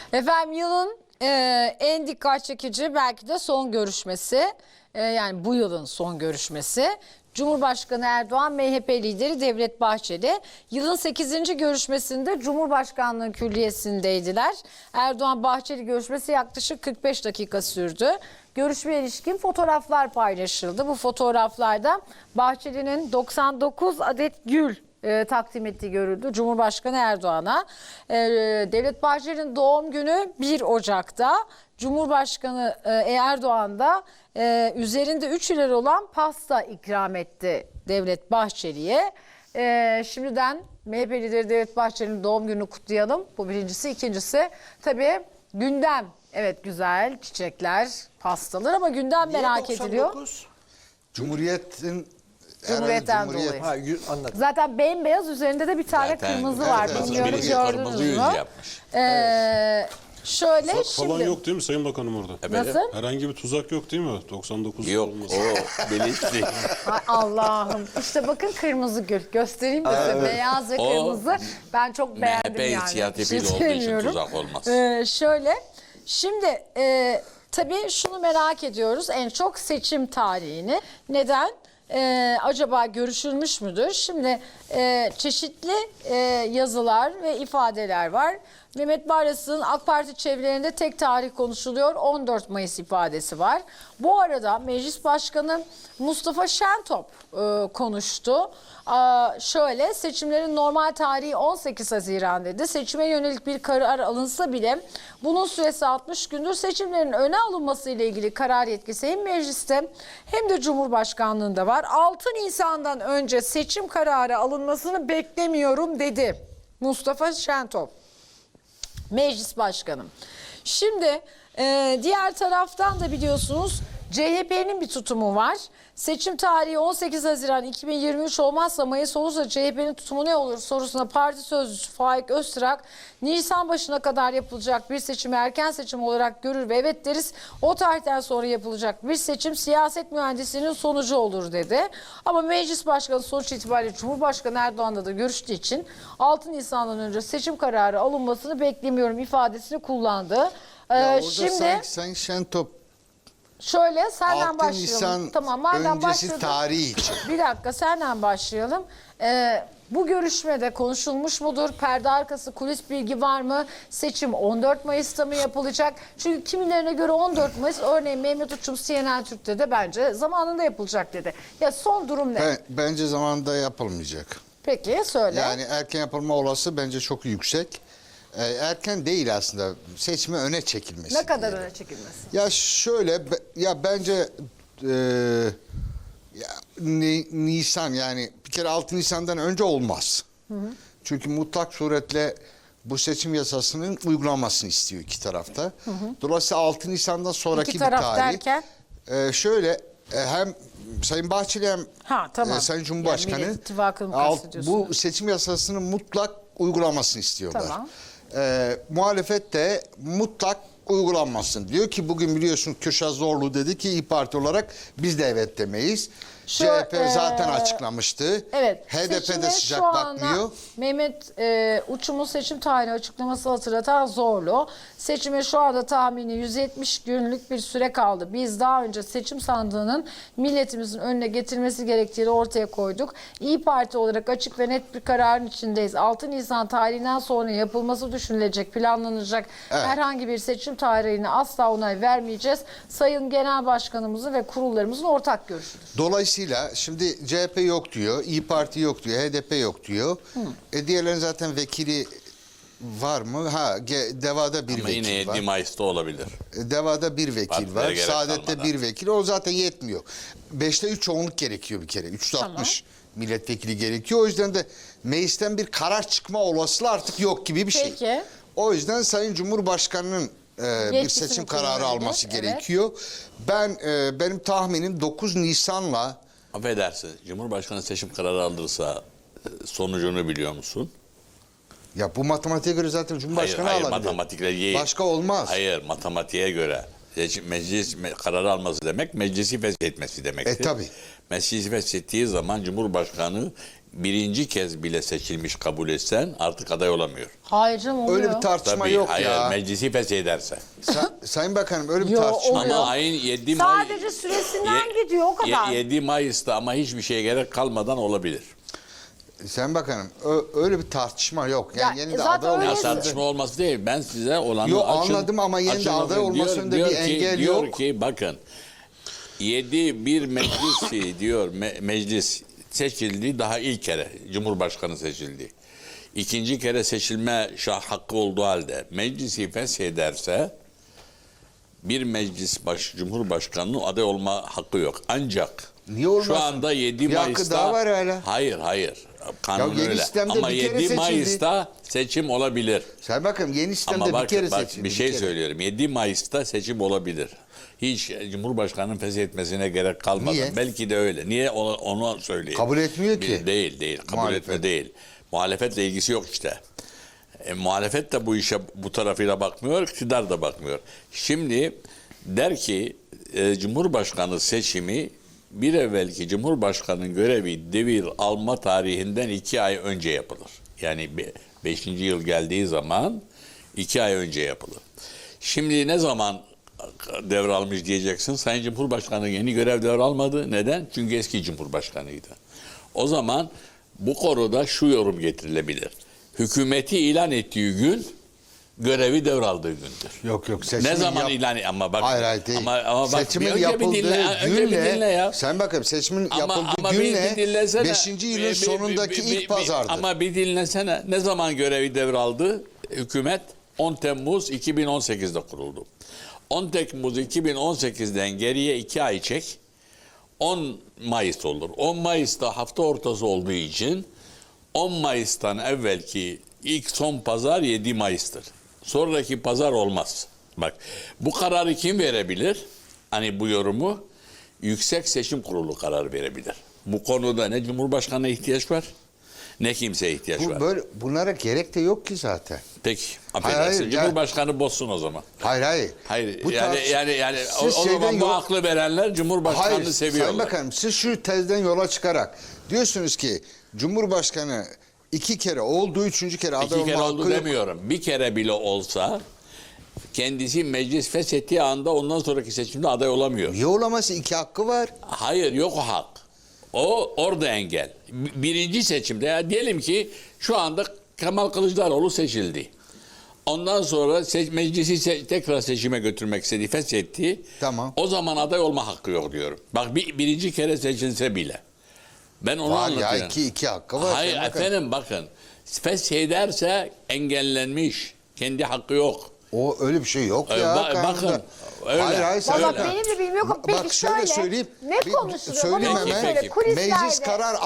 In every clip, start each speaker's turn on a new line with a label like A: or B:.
A: Efendim yılın en dikkat çekici belki de son görüşmesi, yani bu yılın son görüşmesi. Cumhurbaşkanı Erdoğan, MHP lideri Devlet Bahçeli yılın 8. görüşmesinde Cumhurbaşkanlığı Külliyesi'ndeydiler. Erdoğan-Bahçeli görüşmesi yaklaşık 45 dakika sürdü. Görüşmeye ilişkin fotoğraflar paylaşıldı. Bu fotoğraflarda Bahçeli'nin 99 adet gül takdim ettiği görüldü Cumhurbaşkanı Erdoğan'a. Devlet Bahçeli'nin doğum günü 1 Ocak'ta. Cumhurbaşkanı Erdoğan da üzerinde 3 ileri olan pasta ikram etti Devlet Bahçeli'ye. Şimdiden MHP lideri Devlet Bahçeli'nin doğum gününü kutlayalım. Bu birincisi. İkincisi tabii gündem. Evet, güzel çiçekler, pastalar ama gündem merak ediliyor. Cumhuriyetten dolayı.
B: Ha, anladım.
A: Zaten bembeyaz, üzerinde de bir tane
C: Zaten,
A: kırmızı var.
C: evet,
A: Bilmiyorum,
C: birisi
A: gördünüz
C: kırmızı
A: mü?
C: yüz yapmış.
A: Şöyle
D: Falan
A: şimdi.
D: yok değil mi Sayın Bakanım orada?
A: Nasıl?
D: Herhangi bir tuzak yok değil mi? 99
C: Yok,
D: olması.
C: o bilinçli.
A: Ay Allah'ım. İşte bakın kırmızı gül. Göstereyim de size. Beyaz ve
C: O
A: kırmızı. Ben çok beğendim
C: MHP
A: yani.
C: inisiyatifiyle
A: Bir şey
C: olduğu için
A: söylemiyorum.
C: tuzak olmaz.
A: Şöyle. Şimdi tabii şunu merak ediyoruz. En çok seçim tarihini. Neden? Acaba görüşülmüş müdür? Şimdi çeşitli yazılar ve ifadeler var. Mehmet Barlas'ın AK Parti çevrelerinde tek tarih konuşuluyor. 14 Mayıs ifadesi var. Bu arada Meclis Başkanı Mustafa Şentop konuştu. Şöyle, seçimlerin normal tarihi 18 Haziran dedi. Seçime yönelik bir karar alınsa bile bunun süresi 60 gündür. Seçimlerin öne alınması ile ilgili karar yetkisi hem mecliste hem de Cumhurbaşkanlığında var. 6 Nisan'dan önce seçim kararı alınmasını beklemiyorum dedi Mustafa Şentop, Meclis Başkanı. Şimdi diğer taraftan da biliyorsunuz CHP'nin bir tutumu var. Seçim tarihi 18 Haziran 2023 olmazsa, Mayıs olursa CHP'nin tutumu ne olur sorusuna parti sözcüsü Faik Öztürk, Nisan başına kadar yapılacak bir seçimi erken seçim olarak görür ve evet deriz. O tarihten sonra yapılacak bir seçim siyaset mühendisliğinin sonucu olur dedi. Ama Meclis Başkanı sonuç itibariyle Cumhurbaşkanı Erdoğan'la da görüştüğü için 6 Nisan'dan önce seçim kararı alınmasını beklemiyorum ifadesini kullandı. Şimdi
B: Sayın Şentop
A: şöyle senden
B: 6
A: başlayalım.
B: Nisan
A: Tamam, madem
B: öncesi
A: başladık.
B: tarihi için.
A: Bir dakika, senden başlayalım. Bu görüşmede konuşulmuş mudur? Perde arkası kulis bilgi var mı? Seçim 14 Mayıs'ta mı yapılacak? Çünkü kimilerine göre 14 Mayıs, örneğin Mehmet Uçum CNN Türk'te de bence zamanında yapılacak dedi. Ya son durum ne?
B: Bence zamanında yapılmayacak.
A: Peki söyle.
B: Yani erken yapılma olası bence çok yüksek. Erken değil aslında. Seçime öne çekilmesi.
A: Ne kadar
B: diyelim.
A: öne çekilmesi?
B: Ya şöyle, ya bence Nisan, yani bir kere 6 Nisan'dan önce olmaz. Çünkü mutlak suretle bu seçim yasasının uygulanmasını istiyor iki tarafta. Dolayısıyla 6 Nisan'dan sonraki
A: İki
B: bir
A: taraf
B: tarih.
A: derken?
B: Şöyle, hem Sayın Bahçeli hem
A: Tamam.
B: Sayın Cumhurbaşkanı
A: Yani Millet İttifakı'nı kastediyorsunuz.
B: bu seçim yasasının mutlak uygulamasını istiyorlar.
A: Tamam.
B: Muhalefet de mutlak uygulanmasın diyor ki, bugün biliyorsun Kürşat Zorlu dedi ki İYİ Parti olarak biz de evet demeyiz. CHP zaten açıklamıştı.
A: Evet.
B: HDP de
A: seçime
B: sıcak
A: şu anda
B: bakmıyor.
A: Mehmet Uçum'un seçim tarihini açıklaması hatırlatan Zorlu. Seçime şu anda tahmini 170 günlük bir süre kaldı. Biz daha önce seçim sandığının milletimizin önüne getirmesi gerektiğini ortaya koyduk. İYİ Parti olarak açık ve net bir kararın içindeyiz. 6 Nisan tarihinden sonra yapılması düşünülecek, planlanacak herhangi bir seçim tarihine asla onay vermeyeceğiz. Sayın Genel Başkanımızın ve kurullarımızın ortak görüşüdür.
B: Dolayısıyla şimdi CHP yok diyor, İYİ Parti yok diyor, HDP yok diyor. Diğerlerin zaten vekili var mı? DEVA'da bir
C: Ama
B: vekil
C: yine 7
B: var.
C: Mayıs'ta olabilir.
B: DEVA'da bir vekil
C: Partilere
B: var.
C: gerek
B: Saadet'te
C: kalmadan.
B: bir vekil. O zaten yetmiyor. 5'te 3 çoğunluk gerekiyor bir kere. 360 milletvekili gerekiyor. O yüzden de meclisten bir karar çıkma olasılığı artık yok gibi bir şey.
A: Peki.
B: O yüzden Sayın Cumhurbaşkanı'nın bir
A: Yetkisini
B: seçim kararı
A: kullanabilir.
B: alması
A: Evet.
B: gerekiyor. Benim tahminim 9 Nisan'la
C: Affedersin, Cumhurbaşkanı seçim kararı aldırsa sonucunu biliyor musun?
B: ya bu matematiğe göre zaten Cumhurbaşkanı
C: Hayır,
B: alabilir.
C: matematikle değil.
B: Başka olmaz.
C: Hayır, matematiğe göre. Meclis kararı alması demek, meclisi feshetmesi demektir.
B: Tabii.
C: Meclisi feshettiği zaman Cumhurbaşkanı birinci kez bile seçilmiş kabul etsen artık aday olamıyor.
A: Hayır canım oluyor.
B: Öyle bir tartışma
C: Tabii,
B: yok
C: hayır,
B: ya.
C: meclisi feshederse.
B: Sayın Bakanım öyle bir
A: Yo,
B: tartışma
A: oluyor.
B: yok.
C: Ama ayın 7 Mayıs...
A: Sadece süresinden gidiyor o kadar.
C: 7 Mayıs'ta ama hiçbir şeye gerek kalmadan olabilir.
B: Sayın Bakanım öyle bir tartışma yok. Yani
A: Ya,
B: yeni de
A: zaten
B: aday
A: öyle-
C: Ya
B: olması.
C: tartışma olması değil. Ben size olanı
B: Yo,
C: açın.
B: anladım ama yeni de
C: açın
B: aday
C: okuyun.
B: olmasında bir engel
C: diyor
B: yok.
C: ki bakın 1 meclis diyor meclis seçildi daha ilk kere Cumhurbaşkanı seçildi. İkinci kere seçilme hakkı olduğu halde meclisi feshederse bir meclis Cumhurbaşkanı'nın aday olma hakkı yok. Ancak
B: Niye olmasın?
C: şu anda 7
B: Bir hakkı
C: Mayıs'ta
B: daha var hala.
C: Hayır. Kanun
B: Ya yeni
C: öyle.
B: sistemde
C: Ama
B: bir kere
C: 7
B: seçildi.
C: Mayıs'ta seçim olabilir.
B: Sayın Bakanım yeni sistemde
C: Ama
B: bir kere
C: bak
B: seçildi.
C: bir şey
B: kere.
C: söylüyorum. 7 Mayıs'ta seçim olabilir. Hiç Cumhurbaşkanı'nın feshetmesine gerek kalmadan.
B: Niye?
C: Belki de öyle. Niye onu söyleyeyim.
B: Kabul etmiyor ki.
C: Değil. Kabul
B: Muhalefet.
C: etme değil. Muhalefetle ilgisi yok işte. Muhalefet de bu işe bu tarafıyla bakmıyor, iktidar da bakmıyor. Şimdi der ki Cumhurbaşkanı seçimi bir evvelki Cumhurbaşkanı'nın görevi devir alma tarihinden 2 ay önce yapılır. Yani 5. yıl geldiği zaman 2 ay önce yapılır. Şimdi ne zaman devralmış diyeceksin. Sayın Cumhurbaşkanı yeni görev devralmadı. Neden? Çünkü eski Cumhurbaşkanıydı. O zaman bu konuda şu yorum getirilebilir. Hükümeti ilan ettiği gün görevi devraldığı gündür.
B: Yok.
C: Ne zaman ilan ama bak
B: Hayır değil.
C: ama bak
B: seçimin
C: önce
B: yapıldığı
C: bir dinle ya.
B: Sayın Bakanım seçimin
C: Ama
B: yapıldığı günle
C: bir dinlesene.
B: 5. yılın sonundaki ilk pazardır.
C: Ama bir dinlesene. Ne zaman görevi devraldı? Hükümet 10 Temmuz 2018'de kuruldu. 10 Temmuz 2018'den geriye 2 ay çek. 10 Mayıs olur. 10 Mayıs'ta hafta ortası olduğu için 10 Mayıs'tan evvelki ilk son pazar 7 Mayıs'tır. Sonraki pazar olmaz. Bak bu kararı kim verebilir? Hani bu yorumu Yüksek Seçim Kurulu karar verebilir. Bu konuda ne Cumhurbaşkanı'na ihtiyaç var ne kimseye ihtiyaç var.
B: Bunlara gerek de yok ki zaten.
C: Peki
B: Hayır,
C: affedersin. Cumhurbaşkanı bozsun o zaman.
B: Hayır.
C: Hayır
B: Bu
C: yani o
B: Siz
C: zaman
B: şeyden
C: bu
B: yok-
C: aklı verenler Cumhurbaşkanı'nı
B: Hayır,
C: seviyorlar.
B: Sayın Bakanım siz şu tezden yola çıkarak diyorsunuz ki Cumhurbaşkanı 2 kere oldu, 3. kere aday
C: 2
B: olma
C: kere
B: hakkı
C: oldu
B: yok.
C: demiyorum. Bir kere bile olsa kendisi meclis feshettiği anda ondan sonraki seçimde aday olamıyor.
B: Niye olaması 2 hakkı var?
C: Hayır yok o hak. O orada engel. Birinci seçimde ya diyelim ki şu anda Kemal Kılıçdaroğlu seçildi. Ondan sonra meclisi tekrar seçime götürmek istedi, feshetti.
B: Tamam.
C: O zaman aday olma hakkı yok diyorum. Bak birinci kere seçilse bile. Ben onu
B: Var ya
C: anlatıyorum.
B: iki hakkı var.
C: Hayır
B: Sayın Bakanım.
C: efendim bakın. Feshederse engellenmiş. Kendi hakkı yok.
B: O öyle bir şey yok ya.
C: Bakın,
B: kanunda.
C: öyle.
B: Hayır
A: Valla
C: Öyle.
A: benim de bilmiyorum yok. Peki
B: Bak şöyle söyleyeyim.
A: Ne konuşuluyor?
B: Söyleyeyim
A: Bana onu
B: hemen.
A: söyle. Kulislerde.
B: Meclis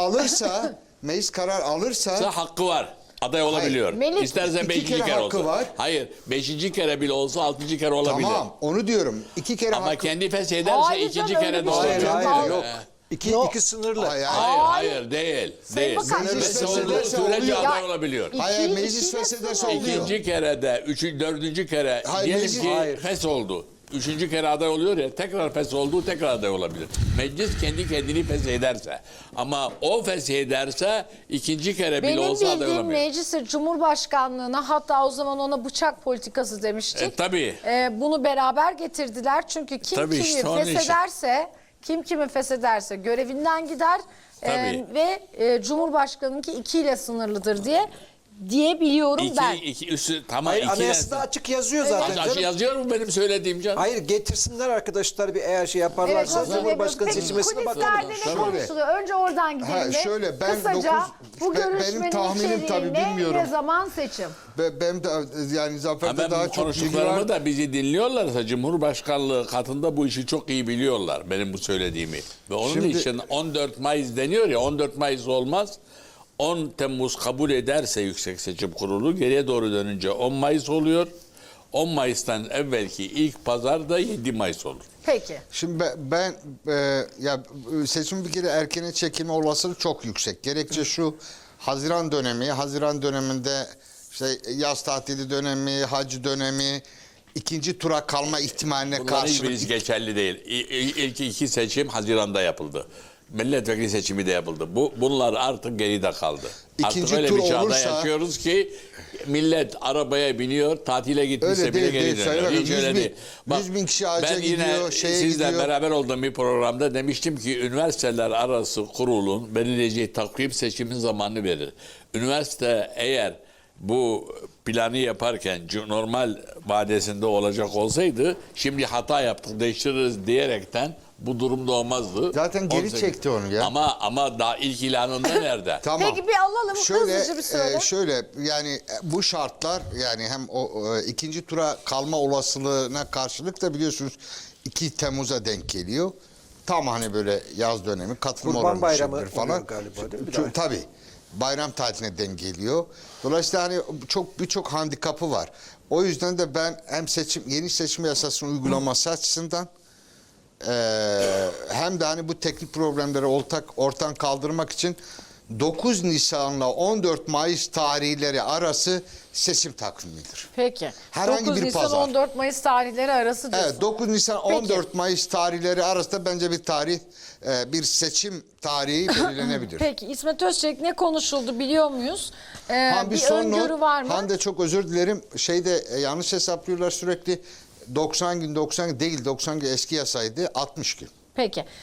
B: karar alırsa
C: Hakkı var. Aday olabiliyor.
A: Melik,
C: İsterse
B: iki
C: 5.
B: kere
C: kere
B: hakkı
C: olsa.
B: var.
C: Hayır 5. kere bile olsa 6. kere olabilir.
B: tamam onu diyorum. 2 kere
C: Ama
B: hakkı.
C: kendi feshederse
A: Hayır
C: 2.
A: canım,
C: kere
A: öyle
C: de
A: bir şey
C: olabilir.
A: yok.
B: Hayır,
E: yok. İki sınırlı.
B: Hayır.
C: Hayır değil.
A: Sayın Bakan,
C: Fes
B: şimdi-
C: olduğu
B: Feshederse
C: sürece
B: oluyor.
C: aday olabiliyor.
B: Hayır, meclis
A: ikiyle
B: feshederse
A: sınırlı.
B: oluyor.
C: İkinci kere de, 4. kere
B: Hayır,
C: diyelim
B: meclis-
C: ki
E: Hayır.
C: fes oldu. 3. kere aday oluyor ya tekrar fes oldu tekrar aday olabilir. Meclis kendi kendini feshederse ama o feshederse 2. kere bile
A: Benim
C: olsa aday
A: bildiğim
C: olamıyor.
A: meclisi Cumhurbaşkanlığına hatta o zaman ona bıçak politikası demiştik.
C: Tabii.
A: Bunu beraber getirdiler çünkü kim
C: Tabii
A: kimi
C: işte onun için.
A: feshederse kim kimi feshederse görevinden gider
C: Tabii.
A: ve Cumhurbaşkanı'nınki 2 ile sınırlıdır diye biliyorum ben.
C: Tamam.
E: Hayır,
C: 2
E: anayasada açık yazıyor zaten canım.
C: yazıyor mu benim söylediğim canım?
E: Hayır, getirsinler arkadaşlar bir eğer şey yaparlarsa
A: hazır
E: Cumhurbaşkanı
A: demiyorum.
E: seçilmesine
A: Peki,
E: bakalım.
A: kulislerde ne konuşuluyor? Önce oradan gidelim.
B: Ha,
A: mi?
B: şöyle, ben
A: Kısaca bu
B: benim
A: görüşmenin
B: tahminim
A: içeriği
B: tabii
A: ne
B: bilmiyorum.
A: ve zaman seçim.
B: Ben de yani Zafer'de
C: Ben
B: daha
C: bu
B: çok bilgi
C: konuştuklarımı
B: var.
C: da bizi dinliyorlarsa Cumhurbaşkanlığı katında bu işi çok iyi biliyorlar benim bu söylediğimi. Ve onun
B: Şimdi-
C: için 14 Mayıs deniyor ya 14 Mayıs olmaz. 10 Temmuz kabul ederse Yüksek Seçim Kurulu geriye doğru dönünce 10 Mayıs oluyor. 10 Mayıs'tan evvelki ilk pazar da 7 Mayıs olur.
A: Peki.
B: Şimdi ben ya seçim bir kere erkene çekilme olasılığı çok yüksek. Gerekçe şu Haziran döneminde işte yaz tatili dönemi, hac dönemi, ikinci tura kalma ihtimaline
C: Bunların
B: karşılık.
C: hiçbirisi geçerli değil. İlk 2 seçim Haziran'da yapıldı. milletvekili seçimi de yapıldı. Bunlar artık geride kaldı.
B: İkinci
C: artık öyle
B: tur
C: bir çağda
B: olursa-
C: yaşıyoruz ki millet arabaya biniyor, tatile gitmişse
B: Öyle
C: bile
B: değil,
C: geri
B: değil.
C: dönüyor.
B: Sayın
C: Hiç
B: Bakanım,
C: öyle
B: 100 bin-
C: değil. Bak,
B: 100 bin kişi hacca
C: ben yine
B: gidiyor, şeye
C: sizle
B: gidiyor.
C: beraber olduğum bir programda demiştim ki üniversiteler arası kurulun belirleyeceği takvim seçimin zamanını verir. Üniversite eğer bu planı yaparken normal vadesinde olacak olsaydı şimdi hata yaptık değiştiririz diyerekten bu durumda olmazdı.
B: Zaten geri
C: 18
B: çekti onu ya.
C: Ama daha ilk ilanında nerede?
B: Tamam.
A: Peki bir alalım hızlıca bir sırada.
B: Şöyle yani bu şartlar yani hem ikinci tura kalma olasılığına karşılık da biliyorsunuz 2 Temmuz'a denk geliyor. Tam hani böyle yaz dönemi katılım
E: Kurban
B: oranı
E: Bayramı
B: düşebilir falan.
E: oluyor galiba, değil mi? Bir daha.
B: Tabii. Bayram tatiline denk geliyor. Dolayısıyla hani birçok handikapı var. O yüzden de ben hem yeni seçim yasasının uygulaması açısından hem de hani bu teknik problemleri ortadan kaldırmak için 9 Nisan'la 14 Mayıs tarihleri arası seçim takvimidir.
A: Peki.
B: Herhangi
A: 9
B: bir
A: Nisan
B: pazar.
A: 14 Mayıs tarihleri arası diyorsun.
B: Evet 9 Nisan
A: Peki.
B: 14 Mayıs tarihleri arasında bence bir seçim tarihi belirlenebilir.
A: Peki İsmet Özçelik ne konuşuldu biliyor muyuz?
B: Ha,
A: Bir
B: son not.
A: öngörü var mı?
B: Hande çok özür dilerim. Yanlış hesaplıyorlar sürekli. 90 gün değil 90 gün eski yasaydı 60 gün.
A: Peki.